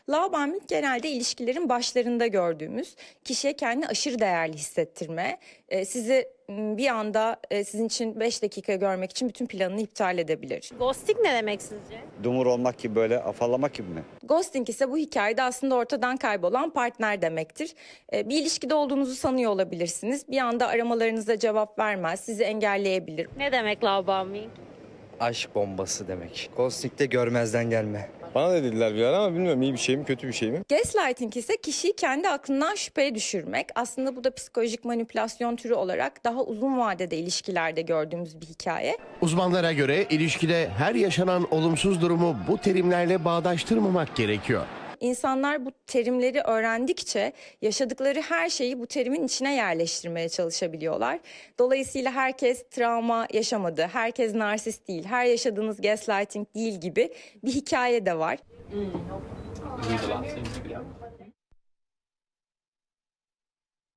Love bombing genelde ilişkilerin başlarında gördüğümüz, kişiye kendini aşırı değerli hissettirme, sizi bir anda sizin için 5 dakika görmek için bütün planını iptal edebilir. Ghosting ne demek sizce? Dumur olmak gibi, böyle afallamak gibi mi? Ghosting ise bu hikayede aslında ortadan kaybolan partner demektir. Bir ilişkide olduğunuzu sanıyor olabilirsiniz. Bir anda aramalarınıza cevap vermez, sizi engelleyebilir. Ne demek love bombing? Aşk bombası demek. Ghosting'de görmezden gelme. Bana da dediler bir ara ama bilmiyorum iyi bir şey mi kötü bir şey mi? Gaslighting ise kişiyi kendi aklından şüpheye düşürmek. Aslında bu da psikolojik manipülasyon türü olarak daha uzun vadede ilişkilerde gördüğümüz bir hikaye. Uzmanlara göre ilişkide her yaşanan olumsuz durumu bu terimlerle bağdaştırmamak gerekiyor. İnsanlar bu terimleri öğrendikçe yaşadıkları her şeyi bu terimin içine yerleştirmeye çalışabiliyorlar. Dolayısıyla herkes travma yaşamadı, herkes narsist değil, her yaşadığınız gaslighting değil gibi bir hikaye de var.